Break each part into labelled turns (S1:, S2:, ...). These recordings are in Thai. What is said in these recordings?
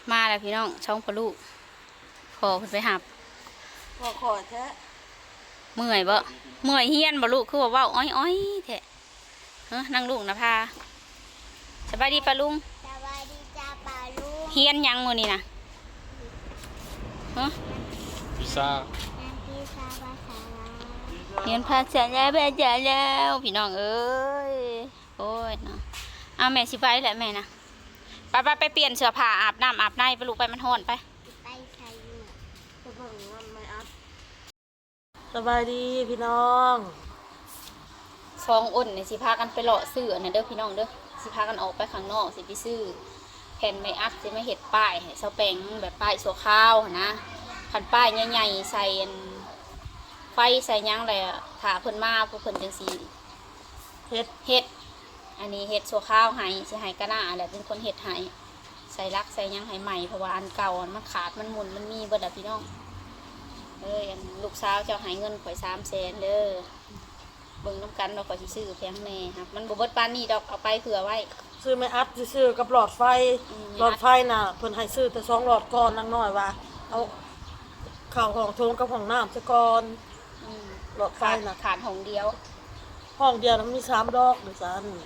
S1: มาแล้วพี่น้องช่องพลูกขอขึ้นไปหับ
S2: ขอแท้
S1: เมื่อยบ่เมื่อยเฮียนบ่ลูกคือว่าเว้าอ้อยแท้นั่งลูกนะพาสบายดีปะลุง
S3: สวัสดีจ้าปาลุง
S1: เฮียนยังมื้อนี้นะ
S4: พิซซ่า
S3: พิซซ่าภาษาลาว
S1: เฮียนภาษาลาวภาษาลาวพี่น้องเอ้ยโอ้ยเนาะเอาแม่สิไปแหละแม่นะไปเปลี่ยนเสื้อผ้าอาบน้ำอาบในไปลูกไปมันร้อนไป
S3: ไปใส่หมวก
S2: จะเบิ่งมันไม่อัพสบายดีพี่น้อง
S1: ซองอ้นเนี่ยสิพากันไปเลาะซื้ออันนั้นเด้อพี่น้องเด้อสิพากันออกไปข้างนอกสิไปซื้อแผ่นไม้อัดสิมาเฮ็ดป้ายให้เสาแปงแบบป้ายสัวข้าวนะคันป้ายใหญ่ๆใส่ไฟใส่ยังอะไรถ้าเพิ่นมาพวกเพิ่นจังสิเฮ็ดอันนี้เฮ็ดสัวข้าวให้สิให้กะหน้าแหละเป็นคนเฮ็ดให้ใส่ลักใส่ยังให้ใหม่เพราะว่าอันเก่ามันขาดมันหมุนมันมีเบิดอ่ะพี่น้องอันลูกสาวเจ้าให้เงินข่อย300,000เด้อเบิ่งน้ำกันเราก็สิซื้อแพงแน่ครับมันบ่เบิดปานนี้ดอกเอาไปเผื่อไว้
S2: ซื้อไม่อัพซื้อกับหลอดไฟหลอดไฟน่ะเพิ่นให้ซื้อแต่2หลอดก่อนนางน้อยว่าเอาข้าวของโถงกับของน้ำซะก่อนหลอดไฟน่ะ
S1: ขาดห้องเดียว
S2: ห้องเดียวมันมี3ดอกหรือซั่น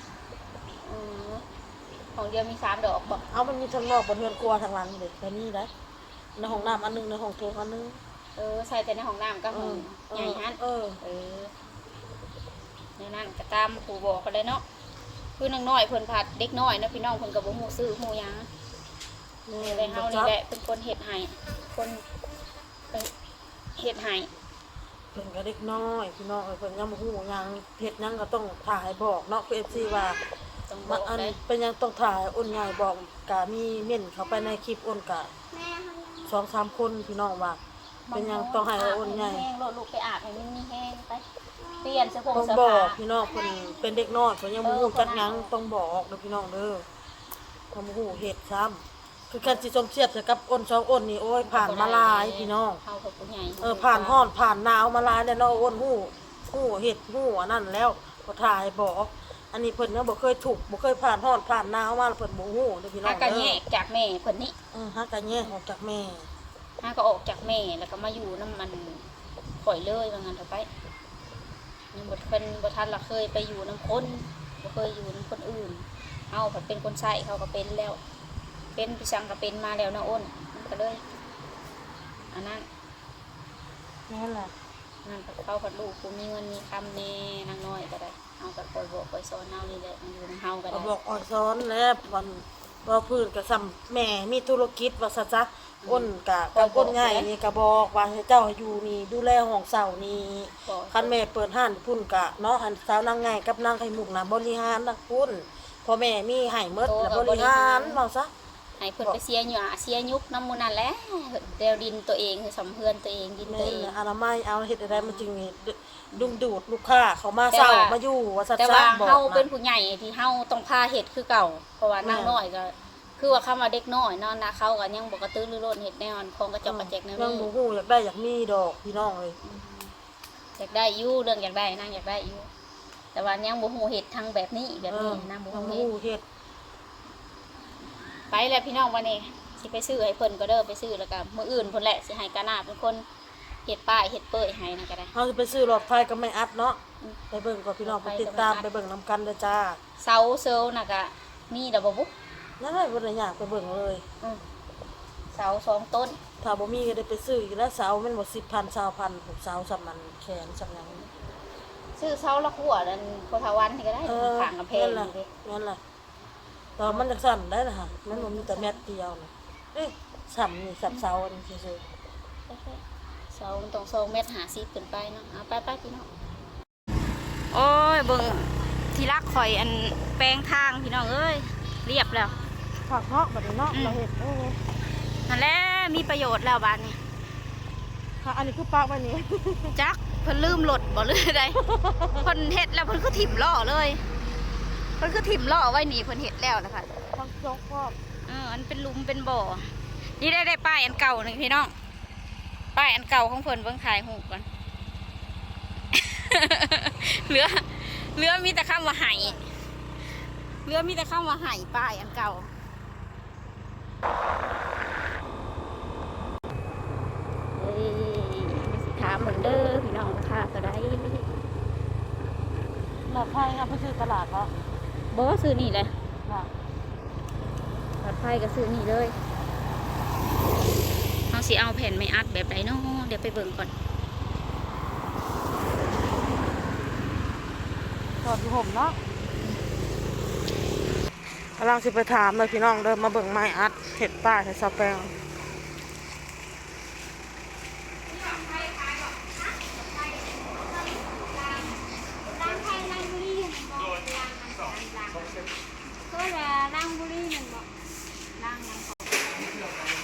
S1: ห้องเดียวมี3ดอกบ่
S2: เอามันมีทั้งนอกบนเรือนครัวทางหลังเด้แต่นี่ได้ในห้องน้ำอันนึงในห้องโถงอันนึง
S1: ใส่แต่ในห้องน้ำก็ห้องใหญ่ฮั่นเนี่ยนั่นก็ตามครูบอกกันเลยเนาะคือนางน้อยเพิ่นผัดเด็กน้อยนะพี่น้องเพิ่นก็บ่ฮู้ซื้อฮู้หยังนี่เลยเฮานี่แหละเป็นคนเฮ็ดให้คนเฮ็ดให้
S2: เพิ่นก็เด็กน้อยพี่น้องเพิ่นยังบ่ฮู้หยังเฮ็ดหยังก็ต้องถ่ายบอกเนาะคือ FC ว่าอันเป็นยังต้องถ่ายอ้นใหญ่บอกก็มีเม่นเข้าไปในคลิปอ้นก็2-3คนพี่น้องว่าเป็นยังต้องให้อ้นใหญ่
S1: ลูกไปอาบให้มันมีแห้งไปเปลี่ยนเสื้อผ้า
S2: ต้องบอกพี่น้องเพิ่นเป็นเด็กน้อยเพิ่นยังบ่ฮู้จักหยังต้องบอกเด้อพี่น้องเด้อบ่ฮู้เฮ็ดซ้ำคือการสิสมเทียบกับอ้น2อ้นนี่โอ้ยผ่านมาหลายพี่น้อง
S1: เฮากับผู้ใหญ่
S2: ผ่านร้อนผ่านหนาวมาหลายแล้วเนาะอ้นฮู้เฮ็ดฮู้อันนั้นแล้วก็ถ่ายบอกอันนี้เพิ่นยังบ่เคยถูกบ่เคยผ่านร้อนผ่านหนาวมาเพิ่นบ่ฮู้เด้อพี่น้อง
S1: ก็แยกจากแม่เพิ่นนี่
S2: ฮักก็แยกออกจากแม่
S1: ก็ออกจากแม่แล้วก็มาอยู่นำมันข่อยเลยว่างั้นเถอะไปยังบ่เพิ่นบ่ทันละเคยไปอยู่นำคนบ่เคยอยู่นำคนอื่นเฮาก็เป็นคนใช้เขาก็เป็นแล้วเป็นพี่ชังก็เป็นมาแล้วนะอ้นมันก็เลยอันนั้น
S2: นั่นแหละ
S1: นั่นเขาผัดลูกกูมีเงินมีคำแน่นางน้อยก็ได้เอากับคอยบอกคอยสอนเอานี่แหละมันอยู่ในเฮาก็ได้
S2: บอกอ่อนซ้อนแล้ววันว่าพื้นกับซ้ำแม่มีธุรกิจว่าซะจ้ะอ้นกับอ้นง่ายนี่ก็บอกว่าให้เจ้าอยู่นี่ดูแลห้องเสานี่คันแม่เปิดห้านพุ่นกะเนาะหันสาวนางง่ายกับนางไข่มุกน่ะบริหารนักพุ่นพ่อแม่มีให้หมดแล้วบริหารเว้าซะ
S1: ให้เพิ่นไปเสียหญ้าเสียยุกน้ำมูนั่นแหละเดวดินตัวเองคือสำเพื่อนตัวเองดินตัวเอง
S2: อนามัยเอาเฮ็ดอะไรมันจึงดึงดูดลูกค้าเขามาเซามาอยู่ว่าซะ
S1: แต่ว่าเฮาเป็นผู้ใหญ่ที่เฮาต้องพาเฮ็ดคือเก่าเพราะว่านางน้อยก็คือว่าคำว่าเด็กน้อยเนาะนะเขาก็ยังบ่กระตือรือร้นเฮ็ดแน่นอนของกระจอกกระแจกแน่
S2: ยังบ่ฮู้อยากได้อยากมีดอกพี่น้องเลย
S1: อยากได้อยู่เรื่องอยากได้นางอยากได้อยู่แต่ว่ายังบ่ฮู้เฮ็ดทางแบบนี้นางบ่ฮู้เฮ็ดไปแล้วพี่น้องวันนี้สิไปซื้อให้เพิ่นก็เด้อไปซื้อแล้วก็มื้ออื่นเพิ่นแหละสิให้กะหน้าเป็นคนเฮ็ดป้ายเฮ็ดเป้ยให้นั่นก็ได้
S2: เฮาสิไปซื้อหลอดไฟก็ไม่อัดเนาะไปเบิ่งก่อนพี่น้องไปติดตามไปเบิ่งนำกันเด้อจ้า
S1: เสาเซลน่ะก็มีดอกบ่บุ
S2: นั่นแหละบ่ได้ยากไปเบิ่งเลย
S1: เสา2ต้น
S2: ถ้าบ่มีก็ได้ไปซื้ออีกแล้วเสามันบ่ 10,000 20,000พวกเสาสำมันแขนสำหยัง
S1: ซื้อเสาละหัวนั่นโพธาวันนี่ก็ได้ข้างกำแพงนี่
S2: นั่นล่ะตอนมันจักสั่นได้ล่ะมันบ่มีแต่แมตเดียวน่ะสั่นนี่สับเสาอันซื่อ
S1: ๆเสามันต้อง2.50 เมตรขึ้นไปเนาะเอาไปพี่น้องโอ้ยเบิ่งที่รักข่อยอันแปลงทางพี่น้องเอ้ยเรียบแล้ว
S2: ผักเนาะบัดนี้เนาะเราเฮ็ด
S1: นั่นแหละมีประโยชน์แล้วบ้านนี้
S2: ค่ะอันนี้คือปากไว้นี่
S1: จักเพิ่นลืมรถบ่หรือใดเพิ่นเฮ็ดแล้วเพิ่นก็ถิ่มล้อเลยเพิ่นก็ถิ่มล้อไว้นี่เพิ่นเฮ็ดแล้วนะคะ
S2: ทั้งจกครอบ
S1: อันเป็นหลุมเป็นบ่อนี่ได้ป้ายอันเก่านึงพี่น้องป้ายอันเก่าของเพิ่นเบิ่งถ่ายรูปก่อนเหลือมีแต่คำว่าไห้ป้ายอันเก่าเหมือนเด้อพี่น้องราคาก็ได้
S2: หลอดไฟครับไปซื้อตลาดเนาะ
S1: บ่ซื้อนี่เลย
S2: ค่ะ
S1: หลอดไฟก็ซื้อนี่เลยเอาสิเอาแผ่นไม่อัดแบบไหนเนาะเดี๋ยวไปเบิ่งก่อน
S2: จอดอยู่ห่มเนาะกำลังสิไปถามเลยพี่น้องเดินมาเบิ่งไม้อัดเห็ดป้าเห็ดซาแปง
S3: ร่างไทยร่างบุรีมันบอกร่างอันร่างก็ว่าร่างบุรีมันบอกร่างยังของ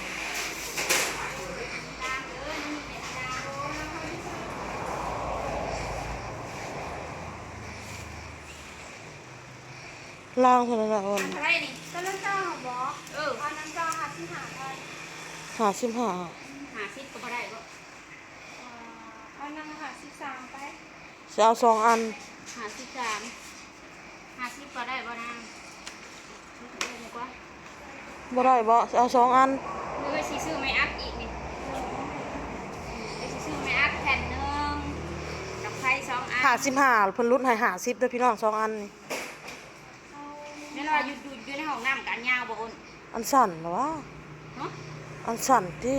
S2: ล่างเท่านั้นละอ่อน
S1: อะไรนี่
S3: ก็น้ำเจ้าของบอกเอาน้ำเจ้าหาที่หาได้
S2: 55
S1: หาซิปก็บ่ได้บ่
S3: เอาน้ำหา13ไป
S2: จะเอา2 อัน
S1: หาซิปหาซิปก็ได้บ่นางเดี๋ยวดีกว่า
S2: บ่ได้บ่จะเอา2 อัน
S1: เดี๋ยวสิซื้อไม่อัดอีกนี่เดี๋ยวสิซื้อไม่อัดแผ่นหนึงกับไฟ2 อัน
S2: 55เพิ่นรุ่นให้50เด้อพี่น้อง2 อันนี่
S1: นี่เราอยู่ในห้องน้ำกันยาวบ่อ้น
S2: อันสั่นเหรอวะ
S1: เนาะ
S2: อันสั่นที่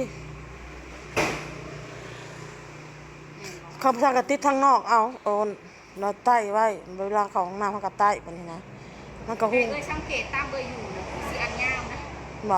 S2: คำสั่งกะติดทางนอกเอาโอนเราใต้ไว้เวลาเข้าห้องน้ำเขาก็ใต้ปานนี้นะมันก็
S1: เอ้
S2: หุ้
S1: ย
S2: ง
S1: สังเกตตามเบอร์อยู่เนาะสิอันยาวนะ
S2: บ่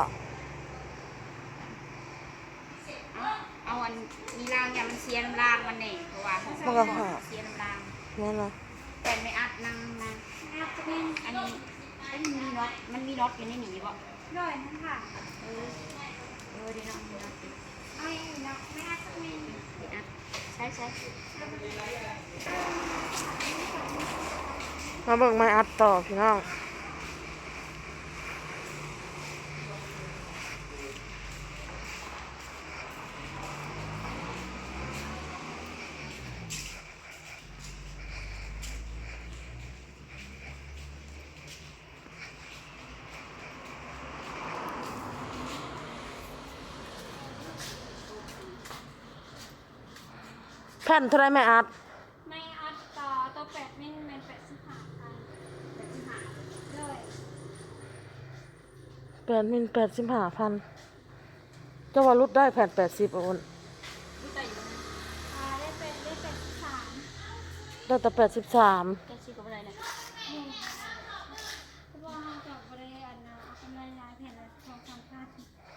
S1: เอาอันมีรางอย่ามันเสียน้ำรางมันนี่เพราะว่าของ
S2: มันก็หา
S1: เสียน้ำราง
S2: แม่นล่ะ
S1: แต่ไม่อัดนั่งนะอันนี้มันมีน็อตอยู่ในหนีบ่
S3: ด้วยนั่นค่ะ
S1: เออดีเนาะมีน็อตอยู่
S3: เอาอย่างนี้เนาะไม่อาจจะมี
S1: ดีอัดใช่
S2: มาเบิ่งไม้อัดต่อพี่น้องแผ่นเท่าไรแม่อัด
S3: ไม่อัดต่อตัว8มิลเป็น85ค่ะด้วย
S2: 8 มิล 85,000เจ้าว่ารุดได้แผ่น80อ่ะโอน
S1: รู้ใจอยู่นะ
S3: ได้83
S2: ได้แต่83
S1: แกชื่อกับอะไรนะ
S3: เพราะว่าเราจะบริอันนะเอากำไรลายแผ่นละ2-3พัน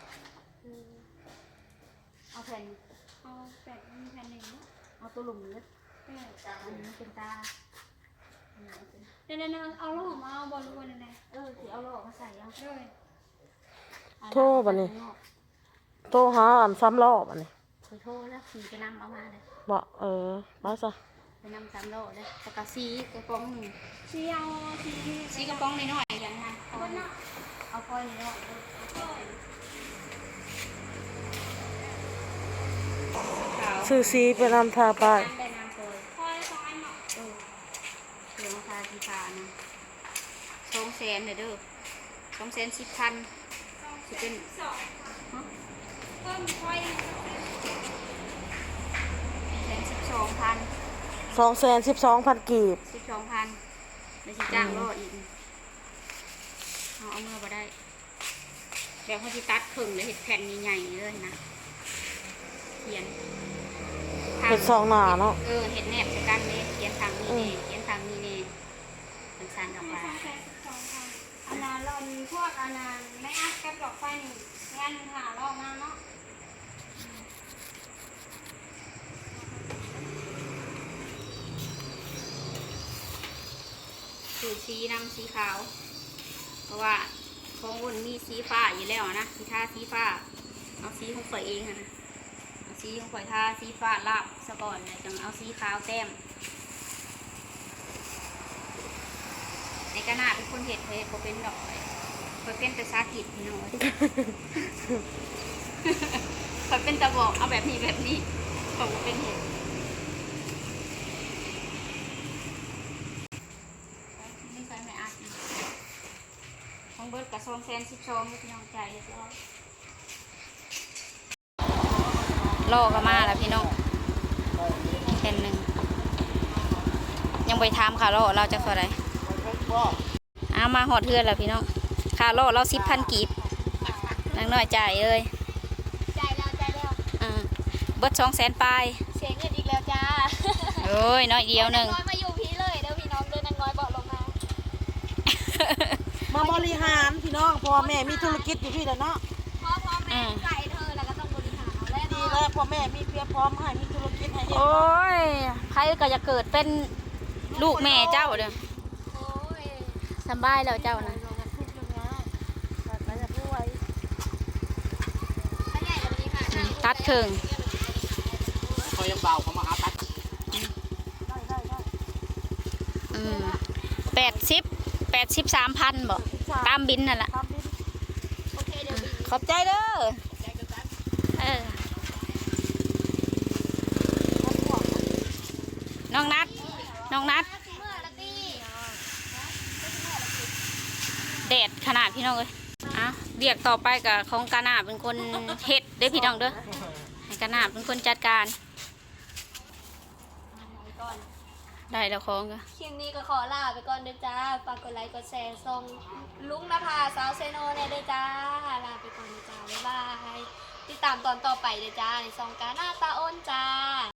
S1: เอาแผ่น
S3: เอา8มิลแผ่นหนึ่งเนาะ
S1: เอาตัวหลุมเล็ก
S3: แปด
S1: อันนี้เป็นตา
S3: เดี๋ยวๆเอาลูกมาเอาบอลลูนอะไร
S1: สิเอาโลกมาใส่เอา
S3: ด้วย
S2: โทษบัดนี้ โตหาอันซ้ำรอบอันนี้
S1: โทษแล้วขี่ไปนำเอามาเลย
S2: บ่ไปซะ
S1: ไปนำ3 โลเลยแต่กระซีกระป๋องหนึ่ง
S3: สีเอาสี
S1: ซีกระป๋องน้อยๆอย่างนั้น
S3: บนเนาะ
S1: เอาก้อยน้อยขาว
S2: ซื้อซีไปนำทาไป
S1: น้ำได้น้ำโปรย
S3: คอย2อันเนาะ
S1: เหลืองทาสีฟ้านะ200,000เด้อ210,000สิเป็น
S3: เพิ่มคอย
S1: 12,000
S2: 212,000 กีบ
S1: 12,000แล้วสิจ้างรออีกเอาเมื่อบ่ได้เดี๋ยวเขาสิตัดครึ่งแล้วเห็ดแผ่นใหญ่ๆเลยนะเขียน
S2: เฮ็ด2หน้าเนาะ
S1: เห็ดแนบจากกันเลยเขียนทางนี้นี่เขียนทางนี้นี่เป็นสันออกมา
S3: 212,000อันนั้นเรามีพวกอันนั้นไม่อัดกับดอกไฟนี่งานหาลอกมาเนาะ
S1: สูตรสีนำสีขาว เพราะว่าของอุ่นมีสีฟ้าอยู่แล้วนะสีทาสีฟ้าเอาสีของข่อยเองนะเอาสีของข่อยทาสีฟ้าลาบซะก่อนเลยจังเอาสีขาวแต้มในกระนาเป็นคนเห็ดเพชรเป็นดอกข่อยเป็นแต่สาธิตพี่น้อย ข่อยเป็นตะบอกเอาแบบนี้ข่อยบ่เป็นเห็ดไม่ใช่ไม่อาจนะของเบิร์ดกับ212,000พี่น้องใจเรียบร้อยรอกันมาแล้วพี่น้องแผ่นหนึ่งยังไปถามค่าโลเราจะเท่าไหร่เอามาหอดเทือนแล้วพี่น้องค่าโลเรา10,000 กีบนางน้อยจ่ายเลย
S3: ใจแล้ว
S1: เบิด200,000 ปลาย
S3: เสียเงินอีกแล้วจ้า
S1: โอ้ยน้อยเดียวหนึ่ง
S3: น้อยมาอยู่พี่เลยเด้อพี่น้องเด้อนางน้อยบอกลงมา
S2: มาบริหารพี่น้องพ่อแม่มีธุรกิจอยู่พี่แล้วเนาะ
S3: พ่อแม่ใส่เธอแล้วก็ต้องบริหารเอาแล้ว
S2: ดี
S3: เนาะ
S2: แล้วพ่อแม่มีเพียบพร้อมให้มีธุรกิจให้เฮ็ด
S1: โอ้ยใครก็จะเกิดเป็นลูกแม่เจ้าเด้อ
S3: โอ้ย
S1: สำบายแล้วเจ้านะ
S2: ทุกเรื่องง่ายแต่จะพูดไว้
S3: ถ้าใหญ่แบบนี้ค่ะ
S1: ตัดครึ่ง
S4: เขายังเบาเขามาหาตัด
S1: 83,000บ่ตามบินนั่นแหละ
S2: ทำดิ
S3: โอเคเดี๋ยวบิน
S1: ขอบใจเด้อเออน้องนัด
S3: เมื่อละตี
S1: แดดขนาดพี่น้องเลยอ่ะเรียกต่อไปกับของกานาเป็นคนเฮ็ดเด้อพี่น้องเด้อให้กานาเป็นคนจัดการ
S3: ก่อน
S1: ได้แล้วของก็
S3: คลิปนี้ก็ขอลาไปก่อนเด้อจ้าฝากกดไลค์กดแชร์ส่งลุงนภาสาวเซโนเด้อจ้าลาไปก่อนเด้อจ้าบ๊ายบายติดตามตอนต่อไปเด้อจ้าในซองกาหน้าตาอ้นจ้า